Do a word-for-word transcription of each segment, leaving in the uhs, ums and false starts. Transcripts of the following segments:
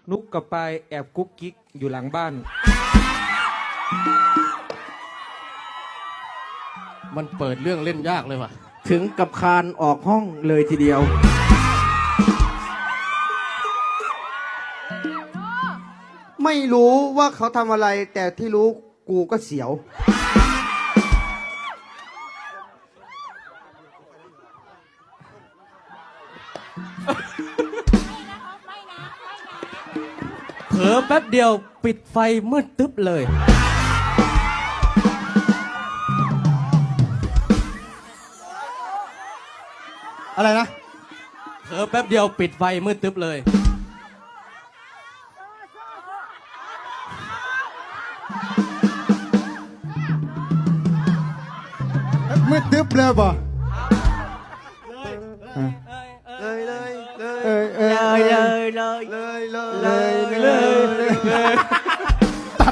นุกกับปายแอบกุ๊กกิ๊กอยู่หลังบ้านมันเปิดเรื่องเล่นยากเลยว่ะถึงกับคานออกห้องเลยทีเดียวไม่รู้ว่าเขาทำอะไรแต่ที่รู้กูก็เสียวเผลอแป๊บเดียวปิดไฟมืดตึ๊บเลยอะไรนะเผลอแป๊บเดียวปิดไฟมืดตึ๊บเลยมืดตึ๊บเลยบ่เลยเลยเลยเอ้ยเอ้ยเลยเลยเลยเลยเลยเลยตัด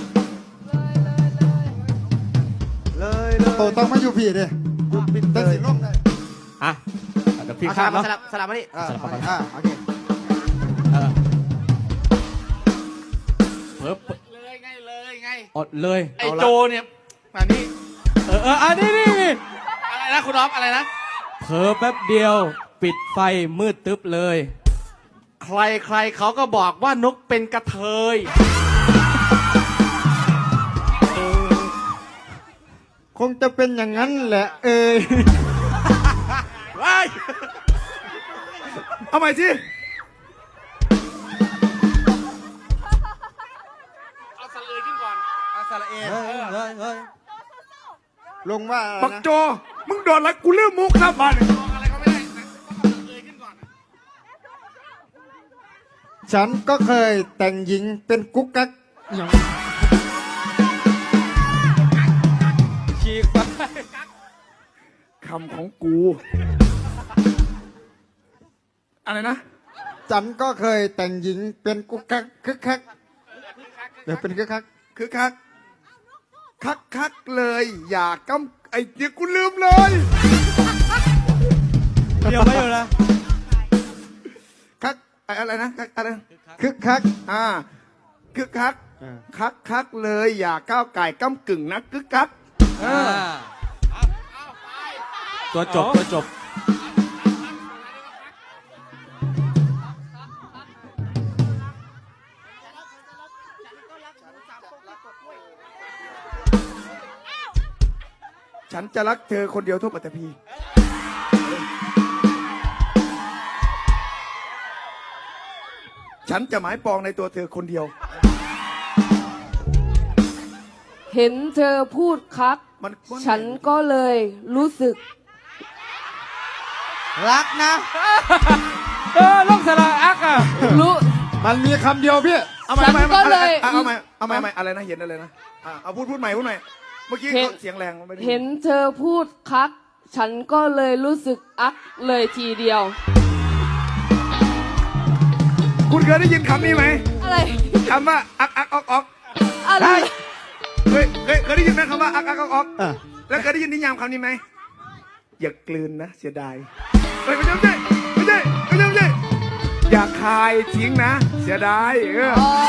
เลยเลยโตต้องมาอยู่พี่ดิตั้งสิลงได้อ่ะเดี๋ยวพี่สข้าลัมบเนาะสลับสลับมาดิอ่าอ่าโอเคเออเผลอเลยไงเลยไงอดเลยไอโจเนี่ยมานี่เออเอออันนี้นี่นี่อะไรนะคุณอ๊อฟอะไรนะเผลอแป๊บเดียวปิดไฟมืดตึ๊บเลยใครใครเขาก็บอกว่านกเป็นกระเทยคงจะเป็นอย่างนั้นแหละ เอ้ยว้ายเอาใหม่สิเอาสระเอยขึ้นก่อนเอาสระเอยเฮ้ยเฮ้ยเฮ้ยลงว่าอะไรบักนะโจมึงโดนแล้วกูเลือกมุกครับบ้านอะไรก็ไม่ได้นะต้องเอาสระเอยขึ้นก่อนฉันก็เคยแต่งหญิงเป็นกุ๊กกักอย่างฉีกไปคำของกูอะไรนะฉันก็เคยแต่งหญิงเป็นกุ๊กกักคึกคักเดี๋ยวเป็นคึกคักคือคักคักคักเลยอย่ากำไอ้เดี๋ยวกูลืมเลยเดี๋ยวไม่อยู่นะคักไอ้อะไรนะคักอะไรนะคึกคักอ่าคือคักอ่าคักคักเลยอย่าก้าวไก่ก้ากึ่งนะกึกคักอ่าตัวจบตัวจบฉันจะรักเธอคนเดียวทั่วปัตตภีฉันจะหมายปองในตัวเธอคนเดียวเห็นเธอพูดคักมันฉันก็เลยรู้สึกรักนะเออลงสระอักอ่ะรู้มันมีคำเดียวพี่เอาใหม่ฉันเอาใหม่ก็เลยเอาเอาใหม่เอาใหม่เอาใหม่อะไรนะเห็นอะไรนะอ่ะเอาพูดพูดใหม่พูดใหม่เมื่อกี้เห็นเสียงแรงไม่ได้ยิเห็นเธอพูดคัก ฉันก็เลยรู้สึกอักเลยทีเดียวคุณเคยได้ยินคำนี้ไหมอะไรคำว่าอักอักออกออกอะไรเคยเคยเคยได้ยินไหมคำว่าอักอักออกออกอ่ะแล้วเคยได้ยินนิยามคำนี้ไหมอย่ากลืนนะเสียดายเฮ้ยไม่ใช่ไม่ใช่ไม่ใช่ไม่ใช่ไม่ใช่อย่าคายทิ้งนะ เสียดายเอออ๋อ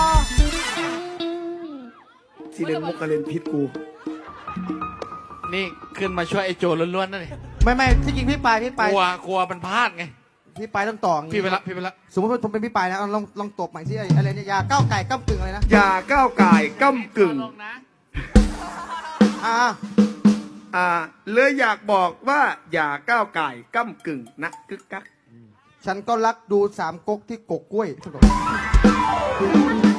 ที่เล่นมุกกระเล่นพิษกูนี่ขึ้นมาช่วยไอโจล้วนๆนั่นเองไม่ไม่ที่จริงพี่ปายพี่กปายลัวกลัวมันพลาดไงพี่ปายต้องต่ออย่างงี้พี่ไปละพี่ไปละสมมติว่าผมเป็นพี่ปายนะเอาลองลองตบใหม่ที่อะไรเนี่ยยาก้าวไก่ก้ากึ่งอะไรนะอย่าก้าวไก่ายก้ำกึ่งอ่าอ่าเลยอยากบอกว่าอย่าก้าวไก่ายก้ำกึ่งนะกึกกักฉันก็รักดูสามก๊กที่กกกล้วย